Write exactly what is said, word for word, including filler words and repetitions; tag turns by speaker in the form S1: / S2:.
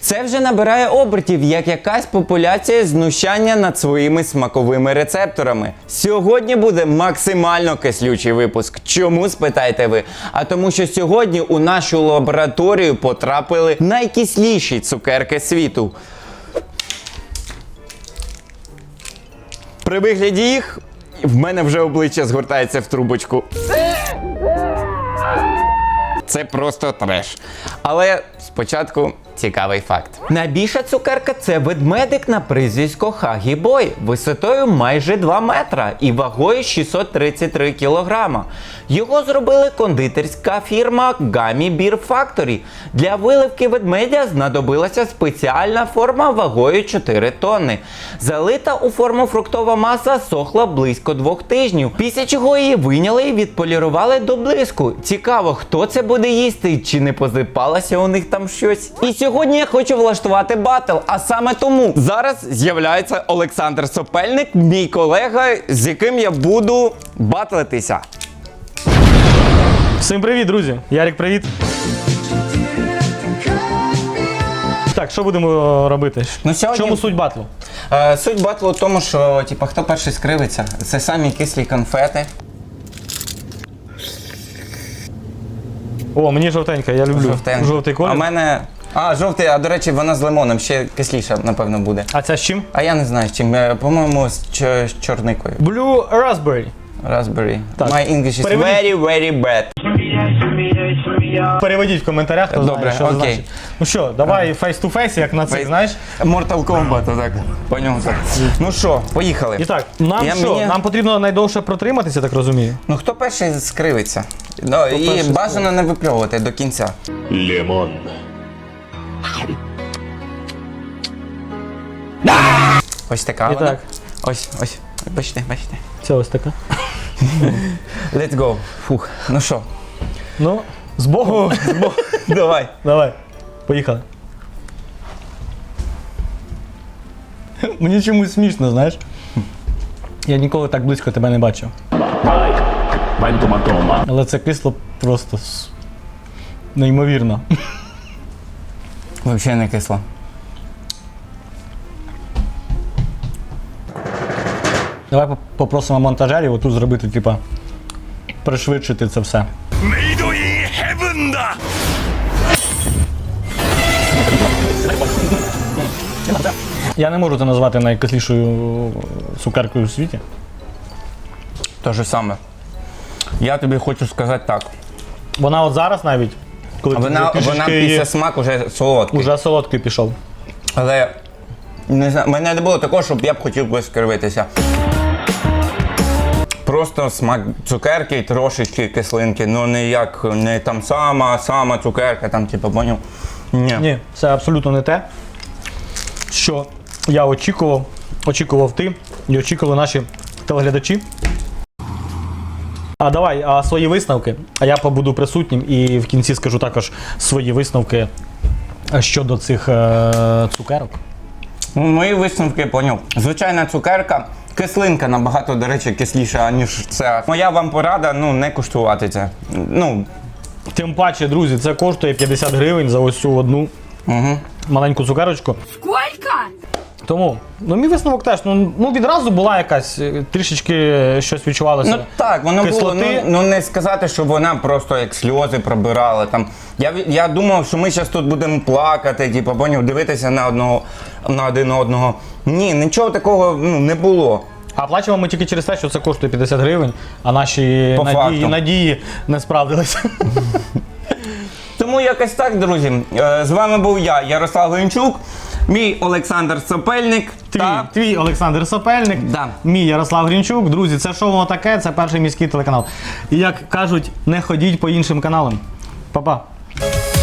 S1: Це вже набирає обертів, як якась популяція знущання над своїми смаковими рецепторами. Сьогодні буде максимально кислючий випуск. Чому, спитаєте ви? А тому що сьогодні у нашу лабораторію потрапили найкисліші цукерки світу. При вигляді їх в мене вже обличчя згортається в трубочку. Це просто треш. Але спочатку цікавий факт. Найбільша цукерка – це ведмедик на прізвисько Хагі Бой, висотою майже два метра і вагою шістсот тридцять три кілограма. Його зробили кондитерська фірма Gummy Bear Factory. Для виливки ведмедя знадобилася спеціальна форма вагою чотири тонни. Залита у форму фруктова маса сохла близько двох тижнів, після чого її вийняли і відполірували до блиску. Цікаво, хто це буде їсти, чи не позипалося у них там щось. І сьогодні я хочу влаштувати батл, а саме тому зараз з'являється Олександр Сопельник, мій колега, з яким я буду батлитися.
S2: Всім привіт, друзі! Ярик, привіт! Так, що будемо робити?
S1: Ну,
S2: В
S1: сьогодні...
S2: чому суть батлу?
S1: Е, суть батлу в тому, що типу, хто перший скривиться, це самі кислі конфети.
S2: О, мені жовтенька, я люблю
S1: Жовтенька.
S2: жовтий колір.
S1: А в мене... А, жовтий, а до речі, вона з лимоном, ще кисліша, напевно, буде.
S2: А ця з чим?
S1: А я не знаю з чим, по-моєму, з, ч... з чорникою.
S2: Blue Raspberry.
S1: Raspberry.
S2: Так.
S1: My English is
S2: Переведіть.
S1: very, very bad.
S2: Переведіть в коментарях, хто
S1: Добре,
S2: знає, що
S1: окей.
S2: це значить. Ну що, давай face-to-face, як на цих,
S1: Face-
S2: знаєш?
S1: Mortal Kombat, так. По ньому так. Ну що, поїхали.
S2: І так, нам
S1: Я
S2: що?
S1: мені-
S2: Нам потрібно найдовше протриматися, так розумію?
S1: Ну хто перший скривиться? Ну, і
S2: перший
S1: бажано не випльовувати до кінця.
S3: Лимон.
S1: Ось така
S2: І
S1: вона.
S2: так.
S1: Ось, ось. Бачите, бачите.
S2: Це ось така.
S1: Let's go. Фух. Ну що,
S2: Ну, з Богу. З Богу.
S1: давай.
S2: Давай, поїхали. Мені чомусь смішно, знаєш? Я ніколи так близько тебе не бачив. Але це кисло просто с- неймовірно.
S1: Взагалі не кисло.
S2: Давай поп- попросимо монтажерів отут зробити, типа, пришвидшити це все. Я не можу це назвати найкислішою цукеркою у світі.
S1: Те ж саме. Я тобі хочу сказати так.
S2: Вона от зараз навіть, коли ти
S1: Вона,
S2: вже
S1: вона
S2: трішечки її-
S1: після смаку вже солодкий.
S2: уже солодкий пішов.
S1: Але не знаю, в мене не було такого, щоб я б хотів би скривитися. Просто смак цукерки і трошечки кислинки, ну не як, не там сама, сама цукерка, там типу, поняв? Ні.
S2: Ні, це абсолютно не те, що я очікував, очікував ти і очікували наші телеглядачі. А давай, а свої висновки, а я побуду присутнім і в кінці скажу також свої висновки щодо цих е- цукерок.
S1: Ну, мої висновки, поняв. Звичайна цукерка, кислинка набагато, до речі, кисліша, ніж це. Моя вам порада, ну, не куштувати це. Ну,
S2: Тим паче, друзі, це коштує п'ятдесят гривень за ось цю одну
S1: угу.
S2: маленьку цукерочку.
S4: Сколько?
S2: Тому, ну мій висновок теж, ну, ну відразу була якась, е, трішечки щось відчувалося.
S1: Ну так, воно
S2: кислоти.
S1: було, ну, ну не сказати, що вона просто як сльози пробирала. Там. Я, я думав, що ми зараз тут будемо плакати, типу, поняв, дивитися на одного, на один одного. Ні, нічого такого ну, не було.
S2: А плачемо ми тільки через те, що це коштує п'ятдесят гривень, а наші
S1: По
S2: надії,
S1: факту.
S2: надії не справдилися.
S1: Тому якось так, друзі. Е, З вами був я, Ярослав Гончук, мій Олександр Сопельник.
S2: Твій,
S1: та...
S2: твій Олександр Сопельник,
S1: Да.
S2: мій Ярослав Грінчук. Друзі, це шоу «Воно таке», це перший міський телеканал. І як кажуть, не ходіть по іншим каналам. Па-па.